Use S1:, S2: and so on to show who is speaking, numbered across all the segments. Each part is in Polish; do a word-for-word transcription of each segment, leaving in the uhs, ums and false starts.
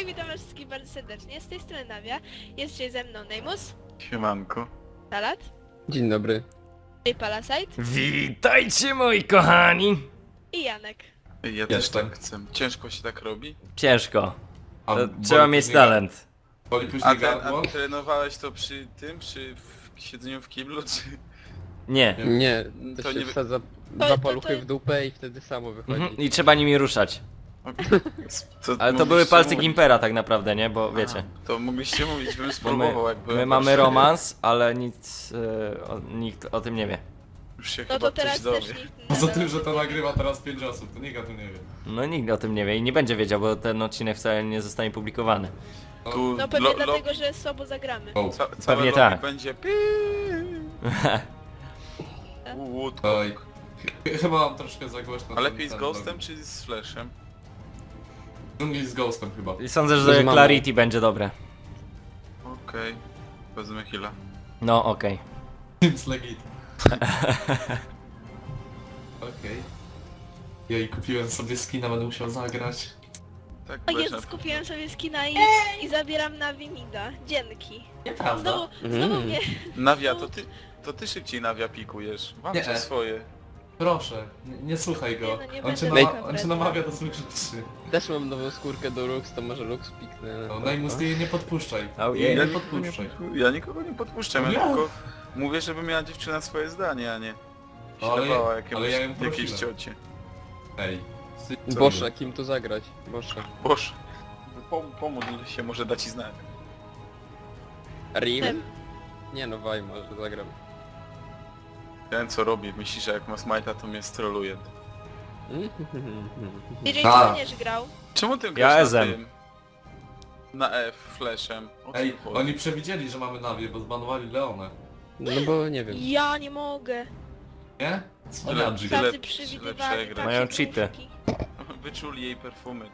S1: Hej, witam was wszystkich bardzo serdecznie, z tej strony Nawia, jest dzisiaj ze mną Neymus,
S2: Siemanko.
S1: Salat,
S3: Dzień dobry.
S1: J Palasite
S4: Witajcie moi kochani!
S1: i Janek.
S2: Ej, ja też tak chcę. Ciężko się tak robi?
S4: Ciężko.
S5: A
S4: To
S5: boli
S4: trzeba mieć
S5: później
S4: talent.
S5: gar- Boli
S2: A,
S5: później
S2: ten,
S5: gardło?
S2: a trenowałeś to przy tym, przy w siedzeniu w kiblu, czy...
S4: Nie.
S3: Nie, to,
S2: To
S3: się
S2: nie-
S3: wsadza
S1: To-
S3: dwa
S1: to-
S3: paluchy
S1: to-
S3: w dupę i wtedy samo wychodzi.
S4: Mhm. I trzeba nimi ruszać.
S2: To
S4: Ale to
S2: mogliście
S4: były palce
S2: mówić.
S4: Gimpera tak naprawdę, nie? Bo wiecie.
S2: A, to mogliście mówić, bym
S4: Bo my,
S2: spróbował, jak byłem
S4: my
S2: w
S4: mamy
S2: Warszawie.
S4: romans, ale nic, e, o, nikt o tym nie wie.
S2: Już się
S1: No
S2: chyba
S1: to teraz
S2: ktoś
S1: też
S2: dowie.
S1: nikt
S5: Poza
S1: na-
S5: tym, że to nagrywa teraz pięć osób, to nikt o tym nie wie.
S4: No nikt o tym nie wie i nie będzie wiedział, bo ten odcinek wcale nie zostanie publikowany.
S2: Tu
S1: No pewnie
S2: lo-
S1: dlatego,
S2: lo-
S1: że słabo zagramy.
S5: O,
S2: Ca całe
S4: Pewnie
S2: lobby
S4: tak.
S2: będzie Łódko.
S5: oj. Ch- Chyba mam troszkę za głośno.
S2: A
S5: ten-
S2: lepiej z
S5: ten
S2: Ghostem
S5: robi.
S2: czy z Flashem?
S5: Dżungli z Ghostem chyba.
S4: I sądzę,
S3: Z
S4: że
S3: mamą.
S4: Clarity będzie dobre.
S2: Okej. Wezmę heal'a.
S4: No okej.
S5: Teams legit. Okej. Jej, kupiłem sobie skina, będę musiał zagrać.
S2: Tak,
S1: O
S2: Flashem.
S1: Jezus, kupiłem sobie skina i, i zabieram na Wimida. Dzięki.
S5: Nieprawda.
S1: Znowu, znowu
S3: Mm.
S1: mnie...
S2: Nawia, to ty, to ty szybciej Nawia pikujesz. Mam
S5: Nie.
S2: cię swoje.
S5: Proszę, nie, nie słuchaj go.
S1: Nie, no nie
S5: on, cię
S1: będę
S5: nama-
S1: taka
S5: on cię
S1: wredna.
S5: namawia do złych rzeczy.
S3: Też mam nową skórkę do Lux, to może Lux piknę.
S5: No, Najmus, ty jej nie podpuszczaj.
S4: Oh,
S5: Jej
S4: yeah.
S5: nie podpuszczaj.
S2: Ja nikogo nie podpuszczam,
S5: No
S2: ja
S5: nie.
S2: tylko mówię, żeby miała dziewczyna swoje zdanie, a nie
S5: No, ale-
S2: ślepała
S5: ale
S2: jakiemuś,
S5: ja ją
S2: jakiejś
S5: prosiłem.
S2: ciocie.
S5: Ej. Sy-
S3: Boże, kim tu zagrać? Boże.
S2: Boże, pom pomódl się, może da ci znać.
S3: Rim? Nie no, Waj może zagram.
S2: Ja wiem co robię, myślisz, że jak ma smite'a to mnie stroluje.
S1: D J
S5: A.
S1: będziesz grał.
S2: Czemu ty grasz
S4: S
S2: na
S4: M.
S2: tym? Na F, flashem. O co
S5: Ej,
S2: chodzi?
S5: oni przewidzieli, że mamy Nawię, bo zbanowali Leonę.
S3: No bo nie wiem.
S1: Ja nie mogę.
S5: Nie? Cwaniadzik.
S2: Tyle-
S1: Tacy
S2: tyle
S1: przewidywali
S2: przegrać.
S1: takie
S4: Mają cheaty.
S1: krówki.
S2: Wyczuli jej perfumy.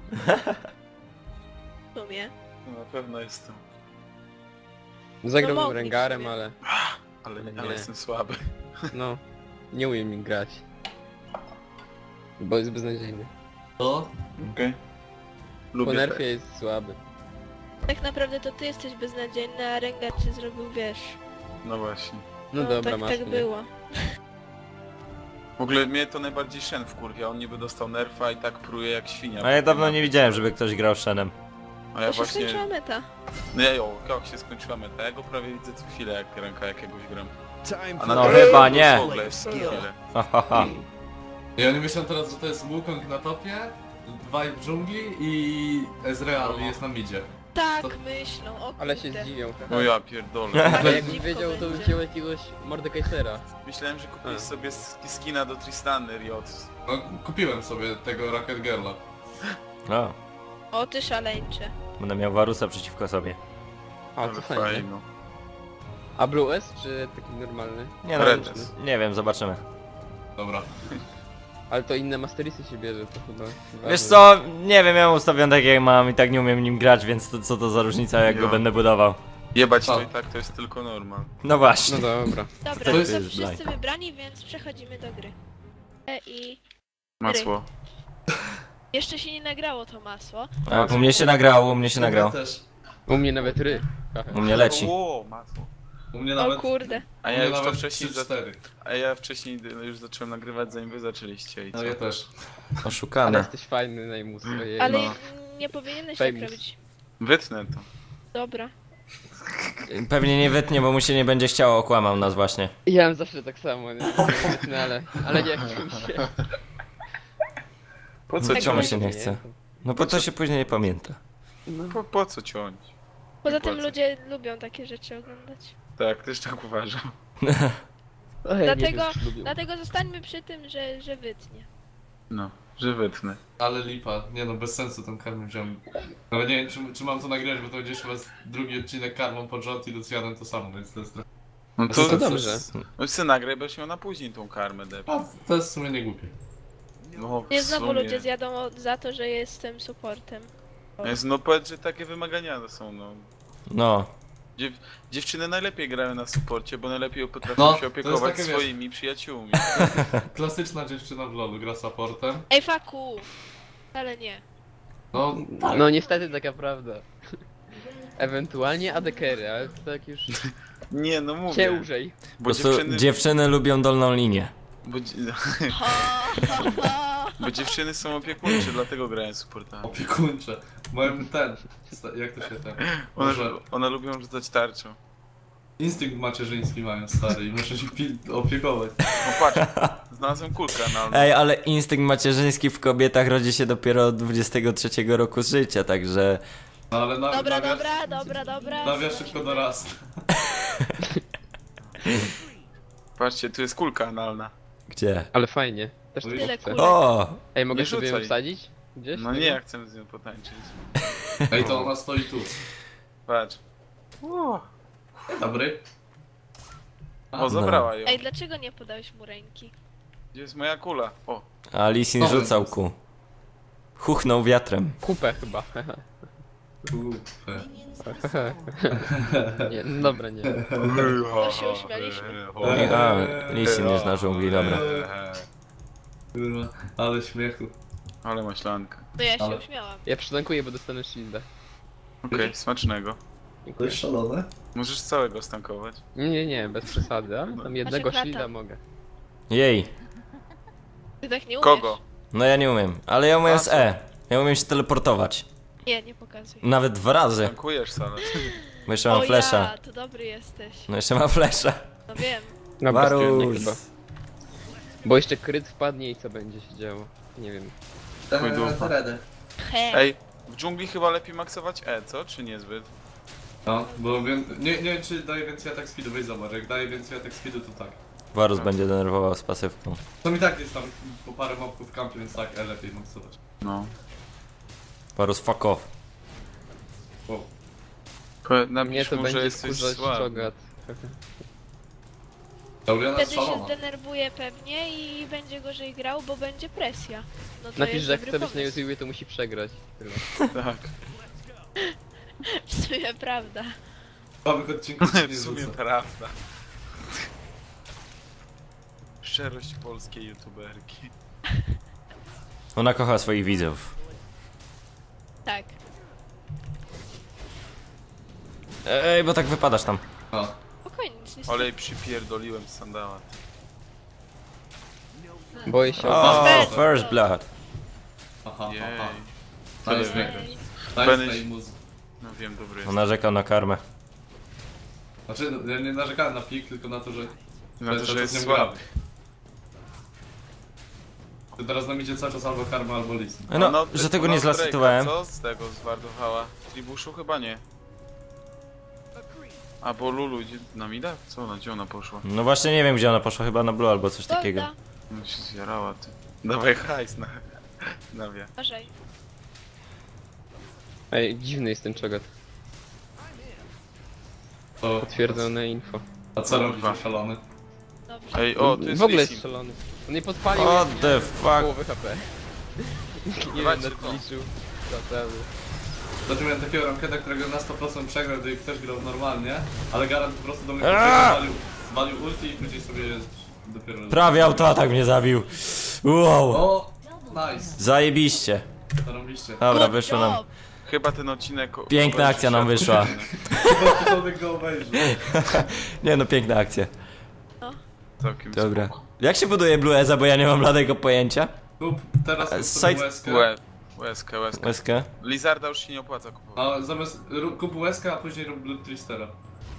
S1: W sumie.
S2: No, na pewno jestem.
S3: Zagrałbym
S1: mogli w
S3: Rengarem,
S1: sumie.
S3: ale
S2: Ale,
S3: Nie.
S2: ale jestem słaby.
S3: no, nie umiem nim grać. Bo jest beznadziejny.
S5: To?
S2: Okej.
S3: Po
S2: Lubię
S3: nerfie
S2: tak.
S3: jest słaby.
S1: Tak naprawdę to ty jesteś beznadziejny, a Rengar cię zrobił, wiesz.
S2: No właśnie.
S3: No, dobra,
S1: tak,
S3: masz
S1: tak
S3: mnie.
S1: było.
S2: W ogóle mnie to najbardziej Shen wkurwia, on niby dostał nerfa i tak pruje jak świnia.
S4: A ja dawno nie widziałem, żeby ktoś grał Shenem.
S2: A ja
S1: To się
S2: właśnie...
S1: skończyła meta.
S2: No ja jo, jak się skończyła meta, ja go prawie widzę co chwilę jak ręka jakiegoś gram. A
S4: No chyba nie.
S2: W ogóle jest co chwilę.
S4: Ha, ha, ha.
S5: I oni myślą teraz, że to jest Wukong na topie, Vibe w dżungli i Ezreal jest na midzie.
S1: Tak
S5: To-
S1: myślą, o
S3: Ale się
S1: kurde.
S3: zdziwią.
S2: No ja pierdolę.
S3: Ale jakbym
S1: Dziwko
S3: wiedział, to bym
S1: będzie.
S3: wziął jakiegoś Mordekaisera.
S2: Myślałem, że kupisz
S3: A.
S2: sobie sk- skina do Tristany Riot.
S5: No, kupiłem sobie tego Rocket Girla.
S4: O,
S1: O ty szaleńcze.
S4: będę miał Warusa przeciwko sobie.
S3: A,
S2: Ale
S3: to fajnie.
S2: fajno.
S3: A Blue S, czy taki normalny?
S4: Nie no,
S2: Redes.
S4: nie wiem, zobaczymy.
S5: Dobra.
S3: Ale to inne Masterisy się bierze, to chyba...
S4: Wiesz
S3: ważne.
S4: co, nie wiem, ja mam ustawiony tak jak mam i tak nie umiem nim grać, więc to, co to za różnica jak
S2: Jo.
S4: go będę budował.
S2: Jebać to
S5: A.
S2: i tak to jest tylko normal.
S4: No właśnie.
S3: No dobra.
S1: Dobra,
S5: To
S1: to
S5: jest-
S1: są
S4: jest
S1: wszyscy
S4: blind.
S1: wybrani, więc przechodzimy do gry. E, I
S2: Masło.
S1: jeszcze się nie nagrało to masło.
S4: A, u mnie się nagrało, u mnie się nagrało.
S5: też.
S3: U mnie nawet ry.
S4: U mnie leci.
S2: O, masło.
S5: U mnie
S1: O
S5: nawet...
S1: kurde.
S2: A
S5: u
S2: ja
S5: mnie
S2: już to
S5: nawet
S2: wcześniej...
S5: trzy
S2: Za...
S5: cztery.
S2: A ja wcześniej już zacząłem nagrywać zanim wy zaczęliście i co?
S5: No ja też.
S3: Ale
S4: Oszukane.
S3: jesteś fajny, Najmus. ojej.
S1: Ale
S2: no.
S1: nie powinieneś tak
S3: Famous.
S1: robić.
S2: Wytnę to.
S1: Dobra.
S4: Pewnie nie wytnie, bo mu się nie będzie chciało, okłamał nas właśnie.
S3: Ja mam zawsze tak samo, nie? No, ale, ale nie chcę mi się.
S2: Po co
S4: Co
S1: Tak
S4: czemu
S2: ciąć?
S4: się nie chce? No bo to się później nie pamięta.
S3: No.
S2: Po, po co ciąć?
S1: Poza
S2: Nie
S1: tym
S2: płacę.
S1: ludzie lubią takie rzeczy oglądać.
S2: Tak, też tak uważam.
S3: Oj,
S1: Dlatego,
S3: nie wiem, czy lubią.
S1: dlatego zostańmy przy tym, że, że wytnie.
S2: No, że wytnę.
S5: Ale lipa. Nie no, bez sensu tą karmę wziąłem. Nawet nie wiem, czy, czy mam to nagrać, bo to będzie chyba drugi odcinek karmą pod rząd i Lucianem to samo, więc to jest trochę...
S2: No
S3: To
S2: to...
S3: dobrze.
S2: No chcę nagrać, będziesz miał na później tą karmę, dep.
S5: A, to jest w sumie nie głupie.
S2: No, w
S1: Nie znowu
S2: sumie.
S1: ludzie zjadą o, za to, że jestem supportem.
S2: Jest, no powiedz, że takie wymagania to są, no.
S4: No.
S2: Dziew dziewczyny najlepiej grają na supporcie, bo najlepiej potrafią
S5: No,
S2: się
S5: to jest
S2: opiekować
S5: takie, wiesz-
S2: swoimi przyjaciółmi.
S5: Klasyczna dziewczyna w lolu, gra supportem.
S1: Ej, faku! Ale nie.
S5: No tak.
S3: No niestety taka prawda. Ewentualnie adekery, ale to tak już
S2: Nie, no mówię.
S3: ciężej.
S4: Po
S2: Bo
S4: prostu
S2: dziewczyny...
S4: dziewczyny lubią dolną linię.
S2: Bo, dzie-
S1: Ha, ha, ha.
S2: bo dziewczyny są opiekuńcze, dlatego grają supportami.
S5: Opiekuńcze. Moim ten. sta- Jak to się ten.
S2: One,
S5: Może
S2: one lubią rzucać tarczą.
S5: instynkt macierzyński mają stary i muszę się pil- opiekować.
S2: No patrz, znalazłem kulkę analną.
S4: Ej, ale instynkt macierzyński w kobietach rodzi się dopiero od dwudziestego trzeciego roku życia, także...
S5: No ale na,
S1: Dobra,
S5: nawia,
S1: dobra, dobra, dobra.
S5: nawia szybko dorasta.
S2: Patrzcie, tu jest kulka analna.
S4: Gdzie?
S3: Ale fajnie. Też
S5: Tyle
S3: tyle
S1: kulek.
S3: chcę.
S4: O!
S3: Ej, mogę
S2: Nie
S3: sobie ją
S2: rzucaj.
S3: wsadzić? Gdzieś?
S2: No nie, ja chcę z nią potańczyć.
S5: Ej, to ona stoi tu.
S2: Patrz.
S5: Dzień dobry.
S2: O, zabrała ją.
S1: Ej, dlaczego nie podałeś mu ręki?
S2: Gdzie jest moja kula? O,
S4: A Lisin
S5: O,
S4: rzucał
S5: jest.
S4: ku. Chuchnął wiatrem.
S3: Kupę chyba.
S5: Kupę.
S3: nie, no dobra, nie.
S1: To się uśmialiśmy.
S4: Nie, a, Lisin jest na dżungli, dobra.
S5: Kurwa, ale śmiechu.
S2: Ale maślanka.
S1: No ja się
S5: Ale-
S1: uśmiałam.
S3: Ja przytankuję, bo dostanę shielda.
S2: Okej, smacznego.
S5: To jest szalone?
S2: Możesz całego stankować.
S3: Nie, nie, nie, bez przesady, ale tam jednego
S1: krata.
S3: shielda mogę.
S4: Jej.
S1: Ty tak nie umiesz.
S2: Kogo?
S4: No ja nie umiem, ale ja umiem
S2: A
S4: z
S2: co?
S4: E. Ja umiem się teleportować.
S1: Nie, nie pokazuj.
S4: Nawet dwa razy.
S2: Tankujesz salę.
S4: Bo jeszcze mam
S1: O
S4: flesza.
S1: ja, to dobry jesteś.
S4: No jeszcze mam flesza.
S1: No wiem.
S3: No bez nie
S4: Varus.
S3: chyba. Bo jeszcze kryt wpadnie i co będzie się działo? Nie wiem.
S2: Chuj dupa.
S1: He.
S2: Ej, w dżungli chyba lepiej maksować E, co? Czy niezbyt?
S5: No, bo wiem, nie, nie wiem czy daje więcej atak speedu, weź zobacz, jak daje więcej atak speedu to tak.
S4: Varus będzie denerwował z pasywką.
S5: To mi tak jest tam po parę mobków w kampie, więc tak, e, lepiej maksować.
S2: No.
S4: Varus fuck off.
S5: Wow.
S2: Po-
S3: Mnie
S2: Napisz
S3: to
S2: mu, że
S3: będzie
S2: jesteś
S3: wkurzać
S2: słaby.
S3: czogat.
S5: Lauriana
S1: Wtedy się
S5: szalona.
S1: zdenerwuje pewnie i będzie gorzej grał, bo będzie presja. No to
S3: Napisz,
S1: jest
S3: że jak
S1: dobry
S3: chce być na
S1: pomysł.
S3: YouTubie, to musi przegrać. Tyle.
S2: Tak.
S1: W sumie prawda.
S5: Nowych odcinków się nie
S2: W sumie
S5: rzucę.
S2: prawda. Szczerość polskiej youtuberki.
S4: Ona kocha swoich widzów.
S1: Tak.
S4: Ej, bo tak wypadasz tam.
S5: A,
S1: Spokojnie, nic nie
S2: Ale jej przypierdoliłem z sandała.
S3: Boję się
S4: O,
S1: Bez.
S4: first blood.
S5: aha,
S2: Jej.
S5: aha.
S2: Tyle
S5: Nice,
S2: wygra.
S1: Ej,
S5: Nice
S2: Będę-
S5: play muz.
S2: No wiem, dobry jest.
S4: On narzekał na karmę.
S5: Znaczy, no, ja nie narzekałem na pik, tylko na to, że...
S2: Na to,
S5: cały
S2: że
S5: czas
S2: jest
S5: nie
S2: słaby.
S5: gramy. To teraz nam idzie cały czas albo karma, albo list.
S4: No, że tego nie
S2: Drake'a,
S4: zlasytowałem.
S2: Co z tego zwardowała? Tribuszu chyba nie. A bo Lulu idzie na mida? Co ona, gdzie ona poszła?
S4: No właśnie nie wiem gdzie ona poszła, chyba na blue albo coś takiego.
S1: Golda.
S2: No się zjarała ty. Dawaj hajs na... na wie.
S1: Uważaj.
S3: Ej, dziwny jest ten czogat.
S5: To...
S3: Potwierdzone info.
S5: A co
S2: Kurwa.
S5: robisz, szalony?
S1: Dobrze.
S2: Ej, o, tu jest
S3: W ogóle jest
S2: Lee Sin.
S3: szalony. On nie podpalił
S4: What
S3: jak
S4: the fuck?
S3: połowy H P. Nie
S2: Dawajcie
S3: będę
S2: to.
S3: liczył. Naprawdę.
S5: Znaczy miałem takiego rankeda, którego na sto procent przegrał, gdy ktoś grał normalnie, ale Garant po prostu do mnie
S4: Aaaa!
S5: zwalił, zwalił ulti i później sobie dopiero...
S4: Prawie autoatak mnie zabił. Wow.
S5: O! Nice!
S4: Zajebiście.
S5: Zarobiliście.
S4: Dobra,
S1: Good
S4: wyszło nam.
S1: job.
S2: Chyba ten odcinek... o-
S4: Piękna
S2: obejrzy
S4: akcja
S2: się.
S4: nam wyszła.
S5: Chyba ktokolwiek go obejrzy.
S4: Nie no, piękna akcja.
S2: Całkiem
S4: Dobra.
S2: spoko.
S4: Jak się buduje Blue Eza, bo ja nie mam bladego pojęcia?
S5: Kup teraz
S4: E,
S5: kup
S4: side-
S5: sobie łezkę.
S2: Łe, łezkę, łezkę.
S4: Łezkę?
S2: Lizarda już się nie opłaca kupować.
S5: A zamiast ru- kup łezkę, a później rób Blood Tristera.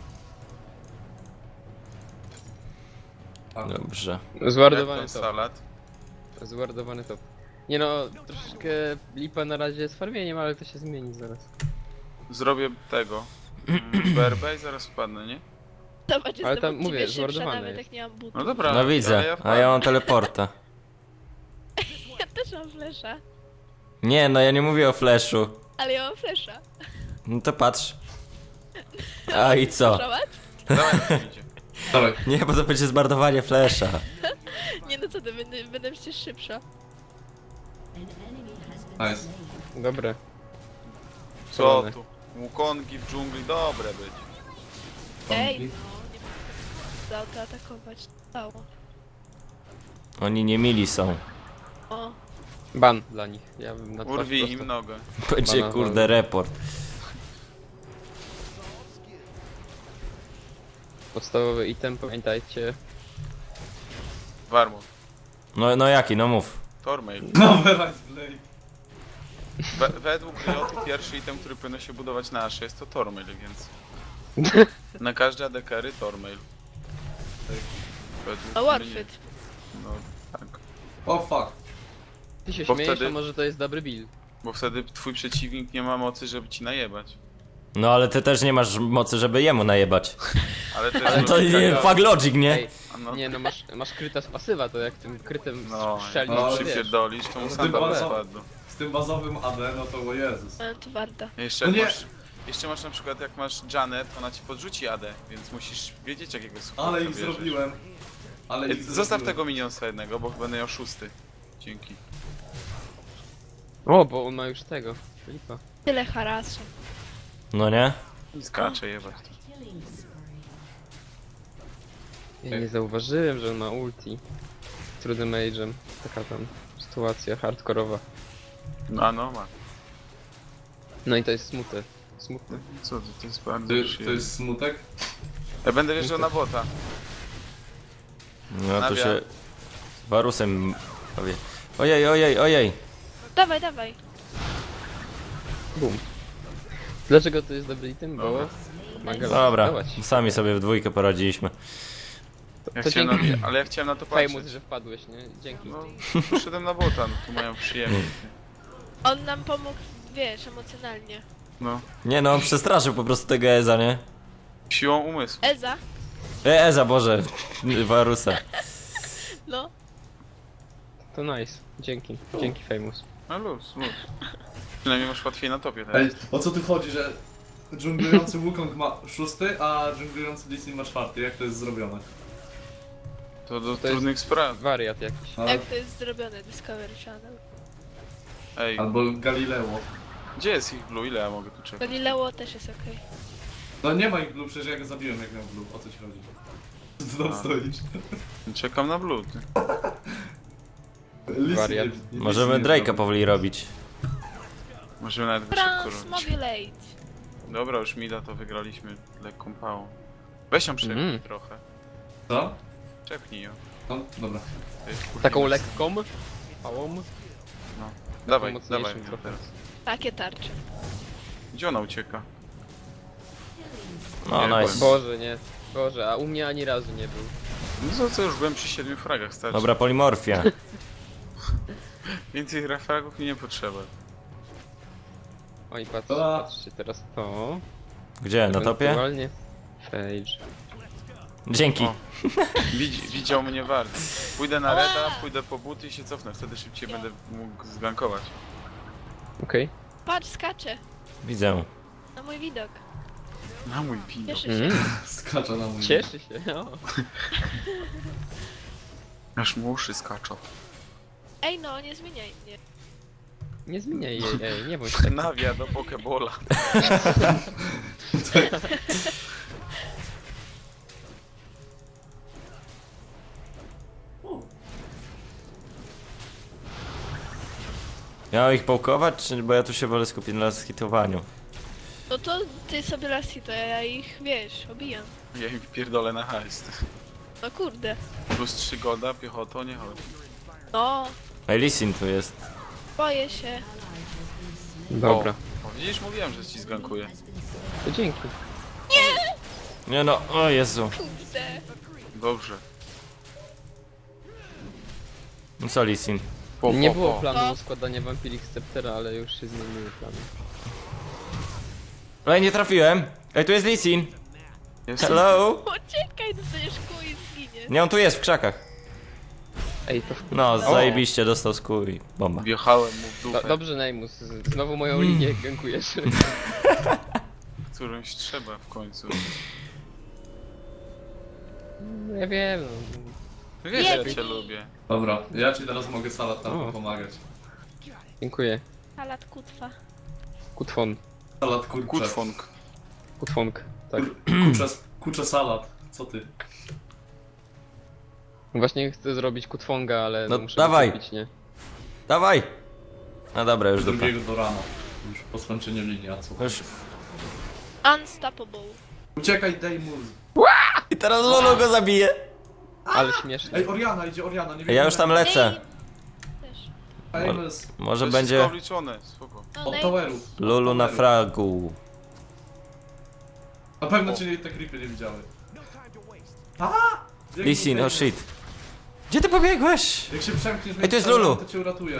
S5: A,
S4: Dobrze.
S3: Zwardowany
S2: Jak
S3: top.
S2: ten salad.
S3: Zwardowany top. Nie no, troszeczkę lipa na razie z farmieniem, ale to się zmieni zaraz.
S2: Zrobię tego. Mm, B R B i zaraz wpadnę, nie?
S1: Zobacz,
S3: Ale
S1: jestem
S3: tam,
S1: od
S3: mówię,
S1: ciebie szybsza,
S3: zmordowane
S1: nawet
S3: jest.
S1: jak nie mam butów.
S2: No dobra.
S4: No
S2: ale
S4: widzę, a
S2: wpadnę.
S4: ja mam teleporta.
S1: Ja też mam flesza.
S4: Nie, no ja nie mówię o flashu.
S1: Ale ja mam flesza.
S4: No to patrz. A i co?
S1: Zobacz?
S2: Dawaj, jak idzie.
S5: Dawaj.
S4: Nie, bo to będzie zmarnowanie flasha.
S1: Nie no co ty, będę, będę przecież szybsza.
S5: Nice.
S3: Dobre.
S2: Co
S3: Kolony.
S2: tu? Łukongi w dżungli, dobre być.
S1: Ej, no, nie mogę zaatakować. Stało.
S4: Oni nie mili są.
S1: O,
S3: Ban dla nich. Ja bym na twarz
S2: Urwij
S3: prosto.
S2: im nogę.
S4: Będzie
S3: Bana,
S4: kurde
S3: bana.
S4: report.
S3: Podstawowy item, pamiętajcie.
S2: Warmut.
S4: No, no jaki, no mów.
S2: Tormail.
S5: No, wylać Blade.
S2: We, według Riotu pierwszy item, który powinno się budować na Ashe jest to Tormail, więc... Na każde A D carry Tormail. Tak, według
S1: No
S2: mnie.
S1: Warfit.
S2: No tak.
S5: O fuck.
S3: Ty się
S2: Bo
S3: śmiejesz,
S2: wtedy-
S3: a może to jest dobry build.
S2: Bo wtedy twój przeciwnik nie ma mocy, żeby ci najebać.
S4: No ale ty też nie masz mocy, żeby jemu najebać.
S2: Ale to jest
S4: Ale to
S2: logika
S4: nie,
S2: gra.
S4: fuck logic, nie?
S3: Ej,
S2: A no,
S3: nie no, masz, masz kryta z pasywa, to jak tym krytem
S2: no,
S3: strzelisz,
S5: no,
S2: jak
S3: to
S2: się
S3: wiesz.
S2: pierdolisz, to mu
S5: Ty
S2: sandał
S5: bardzo-
S2: spadł.
S5: Z tym bazowym A D, no to o Jezus.
S1: Ale to warta.
S2: Jeszcze
S5: No
S2: jak
S5: nie.
S2: masz, jeszcze masz na przykład jak masz Janet, ona ci podrzuci A D, więc musisz wiedzieć jakiego supporta
S5: Ale ich
S2: bierzesz.
S5: zrobiłem. Ale ich
S2: Zostaw
S5: zrobiłem.
S2: tego minionsa jednego, bo będę miał szósty. Dzięki.
S3: O, bo on ma już tego. Filipa.
S1: Tyle harasu.
S4: No nie?
S2: Skacze jebać.
S3: Ja nie zauważyłem, że on ma ulti. Trudnym mage'em. Taka tam sytuacja hardkorowa.
S2: No a no ma.
S3: No i to jest smutne. Smutne.
S2: Co to, to jest bardzo
S5: To, to
S2: przyjemne.
S5: jest smutek?
S2: Ja będę wjeżdżał na bota.
S4: No to
S2: Nawia.
S4: się... Warusem powie. Ojej, ojej, ojej.
S1: Dawaj, dawaj.
S3: Bum. Dlaczego to jest dobry item? Bo
S2: Dobra.
S3: pomaga
S4: Dobra,
S3: dawać.
S4: sami sobie w dwójkę poradziliśmy.
S2: Ja
S3: To
S2: chciałem
S3: dzięki.
S2: na, ale ja chciałem na to patrzeć.
S3: Famous, że wpadłeś, nie? Dzięki.
S2: No, poszedłem na bota, no tu mają przyjemność.
S1: On nam pomógł, wiesz, emocjonalnie.
S2: No.
S4: Nie no, on przestraszył po prostu tego Eza, nie?
S2: Siłą umysłu.
S1: Eza?
S4: E, Eza, Boże. Warusa.
S1: No.
S3: To nice. Dzięki. Dzięki Famous.
S2: No luz, luz. Przynajmniej masz łatwiej na topie
S5: Ej,
S2: teraz.
S5: o co tu chodzi, że dżunglujący Wukong ma szósty, a dżunglujący Lee Sin ma czwarty? Jak to jest zrobione?
S2: To do
S3: to
S2: trudnych spraw.
S3: Wariat jakiś.
S5: A,
S1: Jak to jest zrobione, Discovery Channel.
S2: Ej,
S5: albo Galileo.
S2: gdzie jest ich blue? Ile ja mogę tu czekać?
S1: Galileo też jest okej.
S5: No nie ma ich blue, przecież ja go zabiłem jak miał blue. O co ci chodzi? Co tam
S2: A.
S5: stoisz?
S2: Czekam na blue, ty.
S5: Lee Sin
S3: Wariat.
S5: nie- Lee Sin
S4: Możemy
S5: nie
S4: Drake'a
S5: zrobił.
S4: powoli robić.
S2: Możemy nawet go szybko robić.
S1: Transmobulate.
S2: Dobra, już mida to wygraliśmy lekką pałą. Weź ją przepnij
S3: Mhm.
S2: trochę.
S5: Co?
S2: Przepnij ją.
S5: No, dobra.
S2: To jest kurwa
S3: Taką
S2: bez-
S3: lekką? Pałą?
S2: No. Dawaj,
S3: mocniejszym
S2: dawaj ją
S3: trochę.
S2: teraz.
S1: Takie tarcze.
S2: Gdzie ona ucieka?
S4: No,
S2: Nie,
S4: nice.
S3: Boże, nie. Boże, a u mnie ani razu nie był.
S2: No to co, już byłem przy siedmiu fragach, starczy.
S4: Dobra, polimorfia.
S2: Więcej fragów mi nie potrzeba.
S3: Oj, patrzcie,
S5: A.
S3: patrzcie teraz to.
S4: Gdzie, na topie?
S3: Ewentualnie Phage.
S4: Dzięki.
S2: O. Widzi, widział mnie wart. Pójdę na reda, pójdę po buty i się cofnę, wtedy szybciej będę mógł zgankować.
S3: Okej.
S1: Patrz, skacze.
S4: Widzę.
S1: Na mój widok.
S2: Na mój widok.
S1: Cieszę się.
S3: Mm.
S5: Skacza na mój.
S3: Cieszy się, no.
S2: Aż mu uszy skaczą.
S1: Ej no, nie zmieniaj mnie.
S3: Nie zmieniaj jej, ej, nie bądź tak.
S2: Nawia do pokebola.
S4: Miał ich połkować, czy bo ja tu się wolę skupić na skitowaniu.
S1: No to ty sobie lasi, to ja ich, wiesz, obijam.
S2: Ja im wpierdolę na hajs.
S1: No kurde.
S2: Plus trzy golda, piechotą nie chodzi.
S1: No,
S4: Ej, Lee Sin tu jest.
S1: boję się.
S3: Dobra,
S2: O, o, widzisz, mówiłem, że ci zgankuję.
S3: to dzięki.
S4: Nie no, o Jezu.
S1: Kurde.
S2: Dobrze.
S4: No co Lee Sin?
S2: Po,
S3: Nie
S2: po,
S3: było
S2: po.
S3: planu składania Vampiric Sceptera, ale już się zmieniły plany.
S4: Ej, nie trafiłem. Ej, tu jest Lee Sin.
S2: Jest
S4: Hello?
S1: Uciekaj, dostaniesz kół i zginie.
S4: Nie, on tu jest w krzakach.
S3: Ej, to w...
S4: No, zajebiście, dostał skór i bomba.
S2: Wjechałem mu w
S3: Do,
S2: dupę,
S3: dobrze, Neymus, z- znowu moją linię gankujesz.
S2: którąś trzeba w końcu.
S3: No ja wiem, no.
S2: Wiesz, że ja
S1: Jedź.
S2: cię lubię.
S5: Dobra, ja ci teraz mogę salat tam
S3: O.
S5: pomagać.
S3: Dziękuję.
S1: Salat kutwa.
S3: Kutfon.
S5: Salat kurcze.
S2: Kutfong.
S3: Kutfonk, tak.
S5: Kurcze, kurcze salat. Co ty?
S3: Właśnie chcę zrobić kutfonga, ale
S4: No,
S3: muszę
S4: dawaj.
S3: kupić, nie?
S4: Dawaj! No dobra, już dupa.
S5: Drugiego do rana. Już po skończeniu linii, a co?
S4: Już.
S1: Unstoppable.
S5: Uciekaj, daj mu.
S4: I teraz Lulu go zabije.
S3: Ale śmieszne.
S5: Ej, Oriana, idzie Oriana, nie wiem.
S4: Ja już tam lecę.
S1: Też.
S5: Famous.
S4: Może
S2: To jest
S4: będzie
S2: wszystko obliczone, spoko.
S1: No,
S5: Od
S1: Nate.
S5: toweru.
S4: Lulu na fragu.
S5: Na pewno cię te creepy nie widziały. A! Jak
S4: Lee Sin, oh shit. Gdzie ty pobiegłeś?
S5: Jak się przemkniesz,
S4: Ej, to jest
S5: między
S4: Lulu.
S5: to cię uratuje.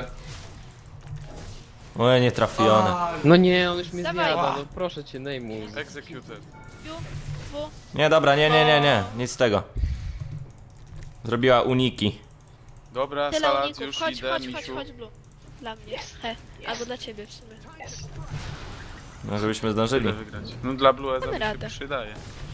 S4: Oj, nie trafione.
S5: Aj.
S3: No nie, on już mnie
S1: Dawaj.
S3: zjada, no proszę cię, Neymus.
S2: Executed.
S1: Ju, W.
S4: Nie, dobra, nie, nie, nie, nie. Nic z tego. Zrobiła uniki.
S2: Dobra,
S1: Tyle
S2: salat,
S1: uników.
S2: już
S1: Chodź,
S2: idę,
S1: chodź, chodź,
S2: misiu.
S1: chodź, Blue. Dla mnie. He. Albo dla ciebie w sumie.
S4: No, żebyśmy
S2: Tyle
S4: zdążyli.
S2: wygrać. No dla Blue
S1: Mamy
S2: się
S1: radę.
S2: przydaje.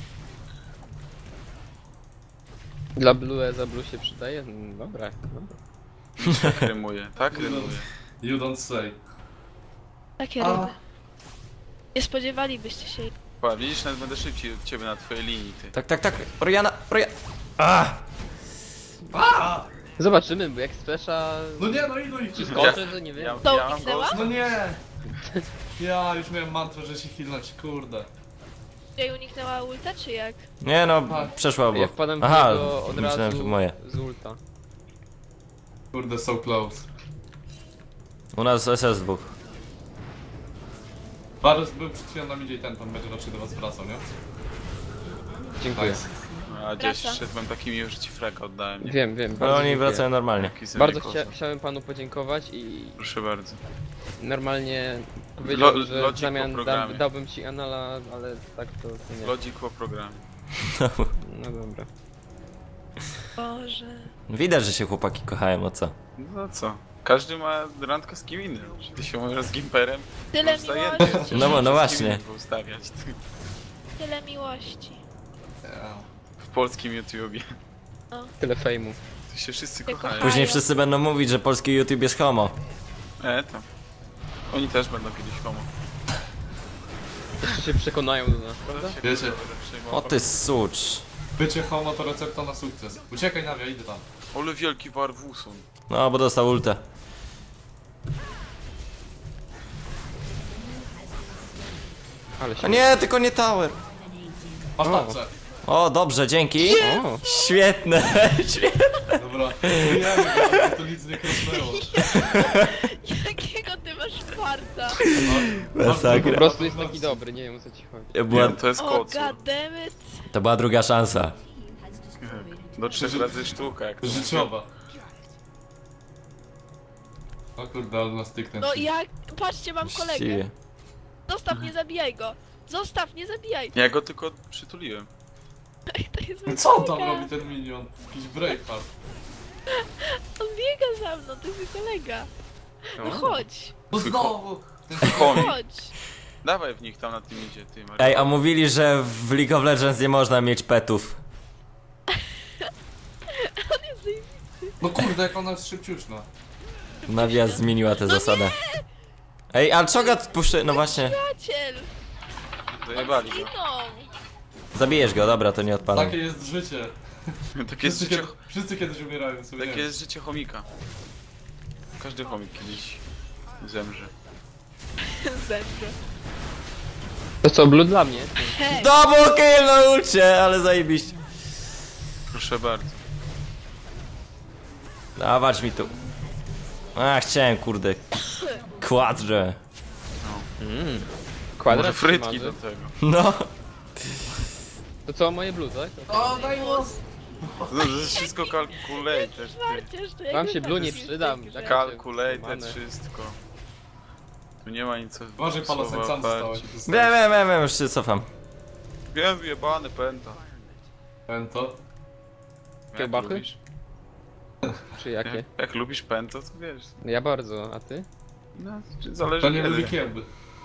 S3: Dla Blue za Blue się przydaje? No, dobra, dobra.
S2: Tak rymuje, tak rymuje.
S5: You don't say.
S1: Takie
S5: A.
S1: ryby. Nie spodziewalibyście się.
S2: Pa, widzisz, nawet będę szybciej od ciebie na twojej linii, ty.
S4: Tak, tak, tak. Oriana, Oriana. Ah!
S5: A!
S3: Zobaczymy, bo jak spesza...
S5: No nie, no ilu ich
S3: Czy
S5: wszystko?
S3: skoczę, to nie wiem.
S2: Ja,
S1: To
S2: ja mam
S1: uniknęła?
S2: ghost.
S5: No nie! Ja już miałem mantrę, że się healnąć, kurde.
S1: Jej uniknęła ulta, czy jak?
S4: Nie no,
S5: Tak.
S4: przeszła
S3: Ja
S4: obok.
S3: wpadam w
S4: Aha,
S3: niego od
S4: myślałem, że
S3: razu
S4: moje.
S3: z ulta.
S5: Kurde, so close.
S4: U nas S S dwóch.
S5: Varus był przed chwilą na midzie i ten pan będzie raczej do was wracał, nie?
S3: Dziękuję.
S5: Nice.
S2: A gdzieś
S1: Wraca.
S2: szedłem takimi już ci freka oddałem, nie?
S3: Wiem, wiem,
S4: Ale
S3: bardzo
S4: oni
S3: dziękuję.
S4: wracają normalnie.
S2: Jaki sobie
S3: Bardzo
S2: kozak.
S3: chcia chciałem panu podziękować i
S2: Proszę bardzo.
S3: normalnie powiedział,
S2: Lo-
S3: że w
S2: logik
S3: zamian
S2: po
S3: da,
S2: programie.
S3: dałbym ci anala, ale tak to, to nie.
S2: Lodzik po programie.
S3: No dobra.
S1: Boże.
S4: Widać, że się chłopaki kochają, o co?
S2: No co? Każdy ma randkę z kim innym. Czy ty się możesz z Gimperem?
S1: Tyle
S2: Możesz zajęty,
S1: miłości.
S2: przecież
S4: No bo- no
S2: możesz z
S4: właśnie.
S2: kim innym ustawiać, ty.
S1: Tyle miłości.
S5: Yeah.
S2: W polskim YouTubie.
S3: Tyle fejmu.
S2: Tu się wszyscy
S1: Się
S2: kochają.
S1: kochają.
S4: Później wszyscy będą mówić, że polski YouTube jest homo.
S2: E, to. Oni też będą kiedyś homo.
S3: Jeszcze się przekonają do nas, prawda?
S2: To się
S5: Wiecie.
S2: będę przejmował.
S4: O ty sucz.
S5: Bycie homo to recepta na sukces. Uciekaj Nawia, idę tam.
S2: Ole wielki warwuson.
S4: No, bo dostał ultę.
S3: Ale się...
S4: A nie, tylko nie tower.
S5: Masz
S3: O.
S5: tarczę.
S4: O, dobrze, dzięki.
S3: O,
S4: Świetne, świetne.
S5: Dobra, wyjemy go, bo to nic nie krosnęło.
S1: Jakiego ty masz farta?
S4: Masakra.
S3: po prostu jest taki dobry, nie wiem o co ci chodzi.
S4: Była,
S2: Nie, to jest
S1: O,
S2: kocur.
S1: goddammit.
S4: to była druga szansa.
S2: Do trzech razy sztuka, jak to
S5: Życiowa. O kurde, ale na styknę.
S1: No jak? Patrzcie, mam kolegę.
S4: Właściwie.
S1: Zostaw, nie zabijaj go. Zostaw, nie zabijaj.
S2: Ja go tylko przytuliłem.
S1: Ej, to jest mój
S5: Co on tam
S1: kolega.
S5: robi ten minion? Jakiś Braveheart.
S1: On biega za mną, to jest mój kolega. No chodź,
S5: No
S2: Twój
S5: znowu! Ten
S2: Chomik.
S1: chodź.
S2: Dawaj w nich tam na tym idzie, ty Maria.
S4: Ej, a mówili, że w League of Legends nie można mieć petów.
S1: On jest zajebisty.
S5: No kurde, jak ona jest szybciuszna.
S4: Navia zmieniła tę zasadę. Ej, a Cho'Gath puszczy... No właśnie.
S1: Przyjaciel.
S2: Zajebali go.
S1: Zginął.
S4: Zabijesz go, dobra, to nie odpadam.
S5: Takie jest życie.
S2: Takie jest
S5: Wszyscy,
S2: życie,
S5: kiedy, wszyscy kiedyś umierają sobie.
S2: takie jest życie chomika. Każdy chomik kiedyś zemrze.
S1: Zemrze.
S3: To co, Blue dla mnie?
S1: Hej,
S4: Double kill na ulcie, ale zajebiście.
S2: Proszę bardzo.
S4: Dawać mi tu. A, chciałem, kurde. Quadrze.
S3: Mm.
S2: Może
S3: Kwadrat się
S2: frytki
S3: marzy.
S2: do tego.
S4: No.
S3: To co, moje Blue, tak?
S5: O, daj głos!
S2: No, to jest wszystko calculated, ty.
S1: Marcierz, to jak
S3: Wam
S1: wy
S3: się
S1: tak
S3: Blue nie
S1: jesteście,
S3: przydam,
S1: że-
S3: tak?
S2: Calculated
S3: Mamy.
S2: wszystko. Tu nie ma nic co
S5: Uważaj, Palasek, sam
S2: słowa
S5: zostałeś.
S2: parci.
S4: Wiem, wiem, wiem, wiem, już się cofam.
S2: Wiem, wyjebany pęta.
S5: Pento.
S2: Jak
S3: Kiełbachy?
S2: lubisz-
S3: Czy jakie?
S2: Jak, jak lubisz pęto, to wiesz.
S3: Ja bardzo, a ty?
S2: No, czy zależy
S5: To nie
S2: kiedy.
S5: lubi kiełby.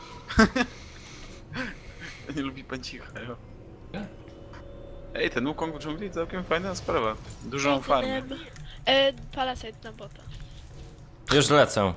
S2: Nie lubi pęcicha, jo.
S5: Nie?
S2: Ej, ten Wukong w dżungli całkiem fajna sprawa. Dużą farmę.
S1: E, Palasite na bota.
S4: Już lecę.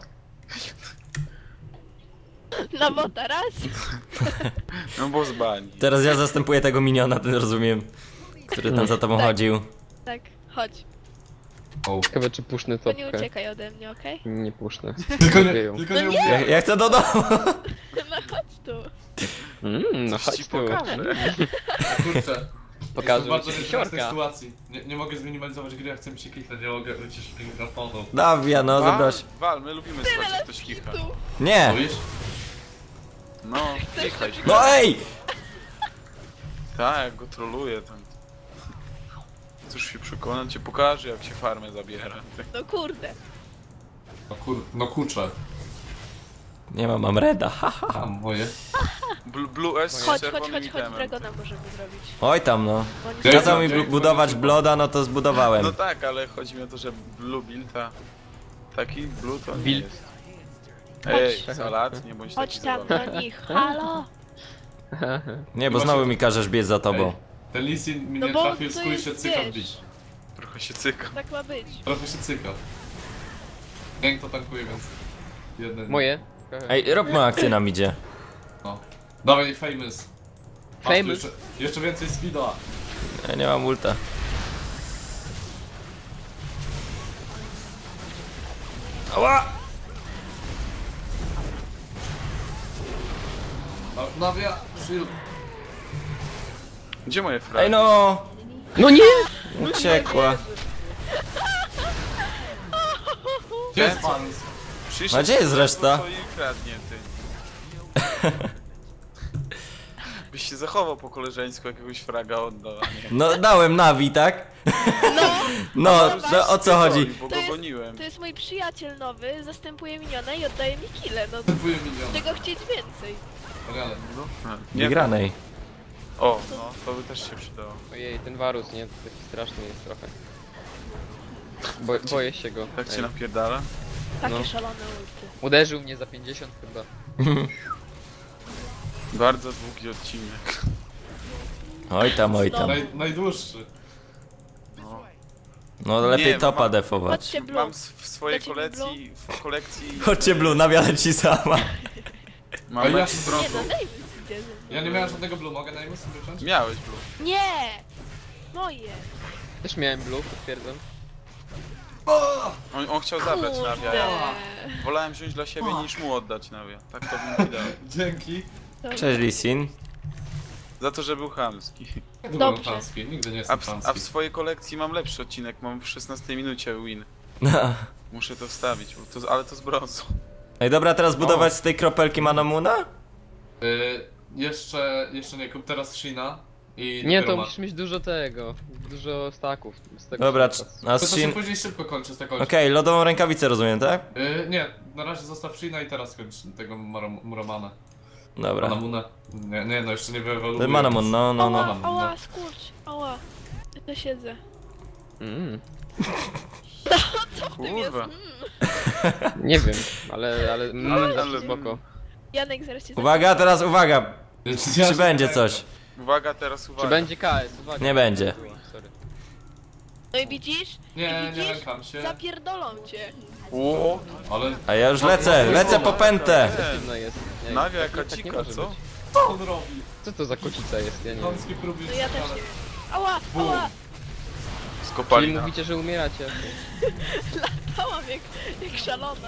S1: Na bota, raz.
S2: No bo z bani.
S4: Teraz ja zastępuję tego miniona, ten rozumiem. Który tam za tobą
S1: Tak.
S4: chodził.
S1: Tak, chodź.
S5: O.
S3: Ciekawe czy puszny
S1: To nie
S3: topkę.
S1: uciekaj ode mnie, okej?
S3: Nie puszny.
S5: Tylko nie,
S3: Wieją.
S5: tylko
S1: No
S5: nie
S1: nie.
S5: mówię.
S4: Ja, ja chcę do domu.
S1: No chodź tu.
S3: Mmm, no
S2: Coś
S3: chodź
S2: ci
S3: tu.
S2: pokażę.
S5: Kurczę.
S3: Pokażę
S5: Jestem bardzo
S3: ci
S5: niezręcznej
S3: siorka.
S5: sytuacji. Nie, nie mogę zminimalizować gry, jak chcę mi się kliknąć, nie mogę wyciszyć mikrofonu.
S4: Dawia, no
S2: Wal,
S4: zabrać.
S2: wal, my lubimy
S1: Tyle
S2: słuchać, jak
S1: lat
S2: ktoś kicha.
S1: tu.
S4: Nie!
S5: Mówisz?
S2: No, kichaj.
S4: No ej!
S2: Tak, jak go troluje tam. Chcesz się przekonać, cię pokażę, jak się farmę zabiera.
S1: No kurde.
S5: No kur... no kurczę.
S4: Nie mam, mam reda, haha.
S5: A moje.
S2: Bl Blue S z
S1: Chodź, chodź,
S2: czerwonym
S1: chodź, chodź,
S2: itemem.
S1: Dragona możemy zrobić.
S4: Oj tam no.
S1: Bo oni
S5: Ja-
S1: są-
S4: Kazał mi
S5: ja-
S4: bu- budować bloda, no to zbudowałem.
S2: No tak, ale chodzi mi o to, że Blue Build, a taki Blue to nie
S3: Build.
S2: jest. Ej, salat, nie bądź
S1: Chodź
S2: taki
S1: tam
S2: zabawny.
S1: do nich, halo!
S4: Nie, bo znowu mi każesz biec za tobą.
S5: Ej, ten Lisin mi
S1: No
S5: nie
S1: bo
S5: trafił,
S1: to
S5: skój
S1: jest,
S5: się cyka
S1: wiesz.
S5: bić.
S2: Trochę się cyka.
S1: Tak ma być.
S5: Trochę się cyka. Gang to tankuje, więc... Jeden.
S3: Moje.
S4: Ej, róbmy akcję nam idzie.
S5: No. Dawaj, famous. Masz tu
S3: Famous?
S5: Jeszcze, jeszcze więcej speeda.
S4: Ja nie mam ulta. Ała!
S5: Na- Nawia, shield.
S2: Gdzie moje fragi?
S4: Ej no!
S3: No nie!
S4: Uciekła.
S5: Gdzie jest Manus?
S2: Przyszedł
S4: A gdzie jest reszta?
S2: Co jej kradnie, ty? Byś się zachował po koleżeńsku, jakiegoś fraga oddał, a nie.
S4: No dałem Navi, tak? No, no o co chodzi?
S2: Bo
S1: To
S2: go
S1: jest-
S2: goniłem.
S1: To jest mój przyjaciel nowy, zastępuje miniona i oddaje mi kile, no
S5: Kupuję milion.
S1: czego chcieć więcej.
S5: Ale
S2: No, nie
S4: Wygranej.
S2: O, no, to by też się przydało.
S3: Ojej, ten Varus, nie? Taki straszny jest trochę. Bo, boję się go.
S2: Tak cię
S3: Ej.
S2: napierdala?
S1: Takie
S3: No.
S1: szalone ulty.
S3: Uderzył mnie za pięćdziesiąt chyba.
S2: Bardzo długi odcinek.
S4: Oj tam, oj tam.
S5: naj, najdłuższy.
S2: No.
S4: No lepiej
S2: Nie,
S4: topa
S2: mam-
S4: defować.
S1: Chodźcie blue.
S2: Mam s- w swojej
S1: Dajcie mi
S2: kolekcji, w kolekcji...
S4: Chodźcie Blue, nawiadę ci sama.
S2: Mam
S5: Ale ja
S2: mecz
S5: się
S2: z
S1: Nie
S2: brązu.
S1: no, daj mi idzie ze mną.
S5: Ja nie miałem żadnego blue, mogę na sobie wziąć?
S2: Miałeś blue.
S1: Nie! Moje!
S3: Też miałem blue, potwierdzam.
S2: On, on chciał zabrać nawia.
S1: Kurde.
S2: Ja wolałem wziąć dla siebie niż mu oddać nawia. Tak to bym ci dał.
S5: Dzięki.
S1: Dobra.
S4: Cześć Lisin.
S2: Za to, że był chamski.
S5: Nie byłem
S1: Dobrze.
S5: chamski, nigdy nie
S2: A
S5: jestem
S2: w, a w
S5: chamski.
S2: swojej kolekcji mam lepszy odcinek, mam w szesnastej minucie win.
S4: No.
S2: Muszę to wstawić, bo to, ale to z brązu.
S4: Ej dobra, teraz budować z tej kropelki Manamuna?
S5: Y, jeszcze, jeszcze nie, kup teraz Shina i
S3: Nie,
S5: dopiero
S3: to
S5: ma-
S3: musisz mieć dużo tego. Dużo staków. Z tego
S4: Dobra,
S3: się
S4: c-
S3: czas.
S4: a
S5: To,
S4: z
S5: to się
S4: Shin...
S5: później szybko kończy z tego.
S4: Okej, lodową rękawicę rozumiem, tak?
S5: Y, nie, na razie zostaw Shina i teraz kończ tego Maro- Muramana.
S4: Dobra.
S5: Manamuna. Nie, nie, no jeszcze nie wyewoluuje.
S4: Manamun, no, no, no.
S1: Ała,
S5: no, no.
S1: ała, skurcz, ała. Ja to siedzę.
S3: Mm,
S1: Tym jest,
S2: Kurwa.
S1: mm.
S3: nie wiem, ale, ale, mm,
S2: Ale-
S3: zawsze
S2: ale-
S3: spoko.
S1: Janek zaraz cię
S4: Uwaga, teraz uwaga.
S5: Ja
S4: Czy
S5: się
S4: będzie
S5: nie
S4: coś?
S2: Uwaga, teraz uwaga.
S3: Czy będzie K S? Uwaga.
S4: Nie będzie.
S3: Sorry.
S1: No i widzisz?
S5: Nie,
S1: I
S5: nie
S1: widzisz?
S5: lękam się.
S1: Zapierdolą cię.
S2: O,
S5: Ale
S4: A ja już lecę, lecę po pętę.
S3: Sztywno jest. Nie,
S2: nawia
S3: tak-
S2: jaka
S3: tak nie
S2: dzika,
S3: może
S2: co?
S3: być.
S5: co on robi?
S3: Co to za kocica jest? Ja nie wiem.
S5: Chamskie próby
S1: No ja też nie wiem. Ała,
S5: Bum.
S1: ała.
S3: Czyli
S2: Skopali na...
S3: mówicie, że umieracie.
S1: Latałam jak, jak szalona.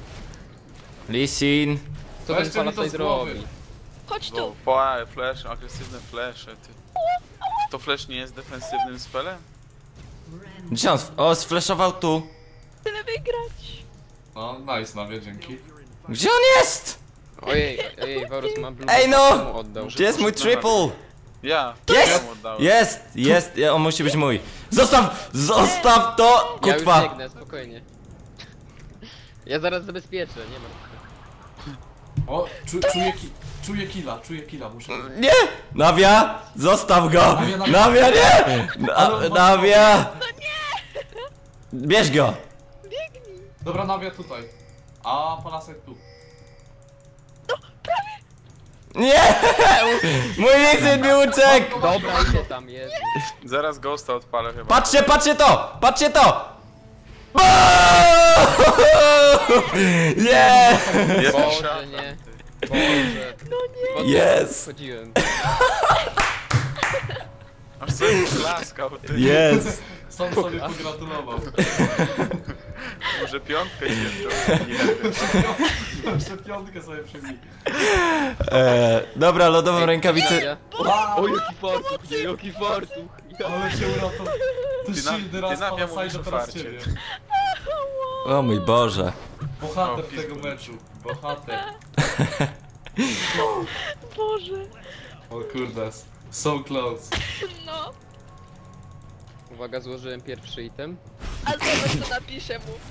S4: Lisin.
S3: Co ten
S5: Weźcie mi to
S3: Palasite
S5: z głowy.
S3: robi?
S1: Chodź
S2: Bo
S1: tu.
S2: po flash, agresywne flesze, ty. To flash nie jest defensywnym spelem?
S4: Gdzie on? O, sflashował tu.
S1: Tyle wygrać.
S5: No, nice Nawia, dzięki.
S4: Gdzie on jest?
S3: Ojej, ojej, Varus ma blue.
S4: Ej, no!
S3: Komu oddał?
S4: Gdzie jest mój triple?
S2: Ja.
S4: Jest!
S2: Ja mu oddałem.
S4: Jest, jest, ja- on musi być mój. Zostaw, zostaw to,
S3: Ja już
S4: kutwa.
S3: biegnę, spokojnie. Ja zaraz zabezpieczę, nie ma.
S5: O, czu, czuję, ki, czuję killa, czuję killa, muszę...
S4: Nie! Nawia, zostaw go!
S5: Nawia, nawia.
S4: Nawia, nie! Na, nawia! Bierz go!
S5: Dobra, Nawia tutaj. A Palasek tu.
S4: Nie! Mój Lisin mi uciekł!
S3: Dobra, idę tam, jest.
S2: Zaraz Ghosta odpalę chyba.
S4: Patrzcie, patrzcie to! Patrzcie to! Nie!
S2: Jest
S3: Boże,
S2: szatan,
S3: nie.
S2: ty.
S3: Boże. No nie.
S4: Jest.
S3: Chodziłem.
S2: Aż sobie klaskał, ty.
S4: Jest!
S5: Sam sobie pogratulował.
S2: Może piątkę się wziął. Nie wiem.
S5: Jeszcze piątkę sobie przybij.
S4: E, dobra, lodową rękawicę.
S3: Ja. O, jaki fartuch, nie, jaki fartuch. Ja.
S5: Ale się uratował. To
S2: Ty na-
S5: shieldy raz
S2: ty na mnie
S5: pana
S2: mówisz
S5: Sajda,
S2: o
S5: teraz
S2: farcie.
S5: ciebie.
S4: O mój Boże.
S5: Bohater
S2: O,
S5: tego
S2: pizdu.
S5: meczu. Bohater.
S1: Boże.
S5: O kurde. So close.
S1: No.
S3: Uwaga, złożyłem pierwszy item.
S1: A zobacz co napiszę mu.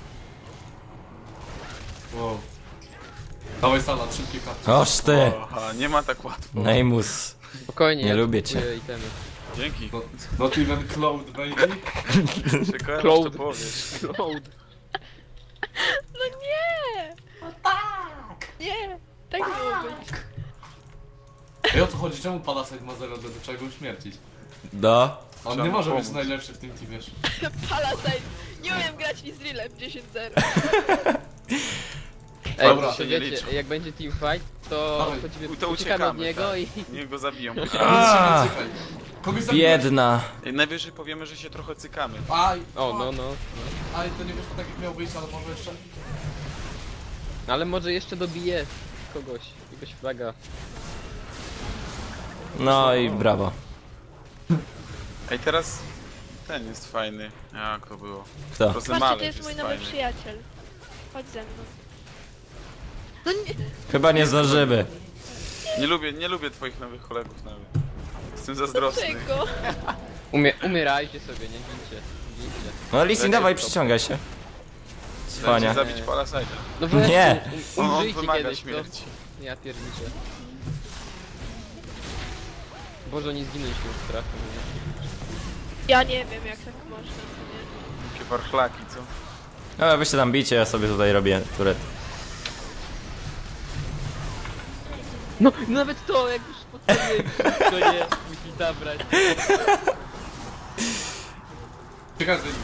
S5: Wow. Dawaj Salat, szybkie karty.
S4: Oż ty.
S2: Aha, nie ma tak łatwo.
S4: Neymus.
S3: Spokojnie,
S4: Nie
S3: ja
S4: lubię cię.
S3: kupuję itemy.
S2: Dzięki.
S5: Not, not even cloud, baby.
S2: Czekałem, aż to
S3: Cloud.
S2: powiesz.
S3: Cloud.
S1: No nie! No tak! Nie! Tak miało być.
S5: Ej, o co chodzi? Czemu Palasite ma zero do czego śmiercić?
S4: Do.
S5: On
S2: Trzeba
S5: nie
S2: mu
S5: może być
S2: pomóc.
S5: najlepszy w tym teamie.
S1: Palasite. Nie umiem grać Izraelem dziesięć zero.
S3: Ej,
S5: Dobra,
S3: to
S2: się nie
S3: wiecie,
S2: liczy.
S3: jak będzie teamfight, to
S5: Dawaj,
S3: chodzimy,
S2: to
S3: uciekamy
S2: uciekamy,
S3: od niego
S2: tak.
S3: i...
S2: Niech go zabiją.
S4: A,
S5: Czekaj. Kogoś zabiłeś.
S4: biedna.
S2: I najwyżej powiemy, że się trochę cykamy.
S5: Aj,
S3: O, no, no.
S5: Aj, to nie wyszło tak jak miał wyjść, ale może jeszcze...
S3: No. Ale może jeszcze dobije kogoś, jakiegoś fraga.
S4: No i brawo.
S2: Ej, teraz ten jest fajny. Jak to było?
S4: Kto?
S1: Patrzcie,
S2: Rozemalew
S1: to jest mój nowy
S2: fajny.
S1: przyjaciel. Chodź ze mną. No nie!
S4: Chyba nie zdążymy.
S2: Nie lubię, nie lubię twoich nowych kolegów nawet. Jestem zazdrosny.
S1: Dlaczego?
S3: Umie umierajcie sobie, nie gincie. Gincie.
S4: No Lissin, dawaj, przyciągaj się.
S2: Dajcie
S4: Cwania.
S2: zabić Palasite'a.
S3: No weź,
S4: Nie.
S3: um,
S2: On, on
S3: umrzyjcie
S2: wymaga
S3: kiedyś,
S2: śmierci.
S3: to... Ja pierniczę. Boże, nie zginąć tym strachem.
S1: Ja nie wiem jak tak można, co nie?
S2: Jakie warchlaki, co?
S4: No wy się tam bicie, ja sobie tutaj robię turet.
S3: No, nawet to, jak już podstawiłem, to nie, musi zabrać.
S5: Ciekawe, że...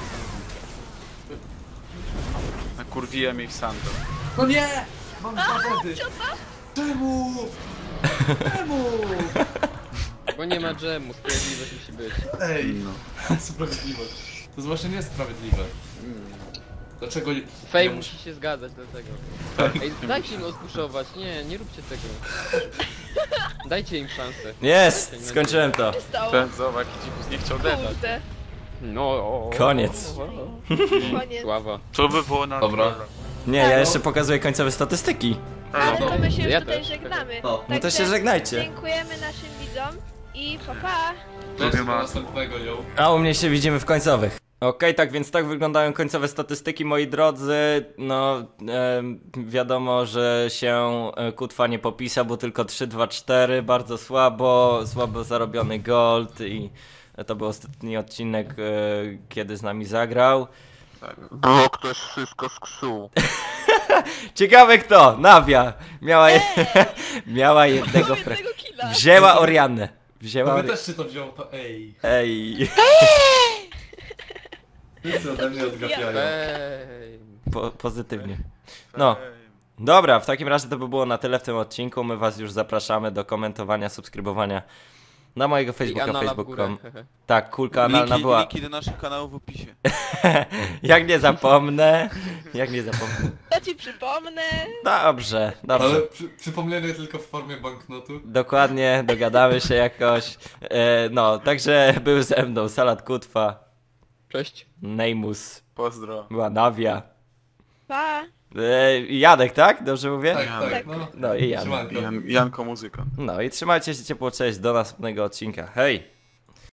S2: Nakurwiłem jej w sando.
S5: No nie! Mam dwa wody! Czemu? Czemu?
S3: Bo nie ma dżemu, sprawiedliwość musi być.
S5: Ej,
S2: No.
S5: sprawiedliwość. To jest właśnie niesprawiedliwe. Dlaczego nie...
S3: Fej
S5: nie
S3: musi się zgadzać dlatego. Ej, dajcie im odpuszować, nie, nie róbcie tego. Dajcie im szansę.
S4: Jest! Skończyłem to.
S1: Co się stało?
S2: Ten zobacz, jaki dzikus nie chciał dedać.
S1: Kurde.
S3: No, o, o,
S4: Koniec.
S3: o, o.
S1: Koniec.
S3: Sława.
S2: To by było na
S5: Dobra.
S4: Nie, ja jeszcze pokazuję końcowe statystyki.
S1: Ale to my się już
S3: Ja
S1: tutaj
S3: też.
S1: żegnamy.
S5: No.
S4: No to
S1: Także
S4: się żegnajcie.
S1: Dziękujemy naszym widzom i pa pa!
S5: Cześć,
S2: ma.
S5: do następnego, yo.
S4: A u mnie się widzimy w końcowych. Okej, tak więc tak wyglądają końcowe statystyki, moi drodzy. No, em, wiadomo, że się e, Kutwa nie popisał, bo tylko trzy, dwa, cztery, bardzo słabo, słabo zarobiony gold i to był ostatni odcinek, e, kiedy z nami zagrał.
S6: Było ktoś wszystko sksuł.
S4: Ciekawe kto, Nawia, miała, je, miała jednego
S1: Mam
S4: fra...
S1: jednego killa!
S4: Wzięła Oriannę. Wzięła
S5: Gdyby
S4: Ori...
S5: też się to wziął, to ej.
S4: Ej,
S5: Wszyscy ode mnie odgapiają.
S3: Ej.
S4: po, pozytywnie. No. Dobra, w takim razie to by było na tyle w tym odcinku. My was już zapraszamy do komentowania, subskrybowania na mojego
S3: I
S4: Facebooka,
S3: anala w
S4: facebook kropka com.
S3: górę.
S4: Tak, kulka analna
S2: Linki,
S4: była.
S2: linki do naszych kanałów w opisie.
S4: Jak nie zapomnę, jak nie zapomnę.
S1: To ci przypomnę.
S4: Dobrze,
S5: Ale
S4: dobrze.
S5: przy, przypomnienie tylko w formie banknotu.
S4: Dokładnie, dogadamy się jakoś. E, no, także był ze mną Salat Kutwa,
S3: Cześć.
S4: Neymus,
S2: Pozdro.
S4: była Nawia.
S1: Pa!
S4: E, i Jadek, tak? Dobrze mówię?
S5: Tak,
S2: Janek.
S5: tak, no.
S4: No i Jan.
S5: Siemanko.
S2: Jan, Janko muzyka.
S4: No i trzymajcie się ciepło, cześć, do następnego odcinka. Hej!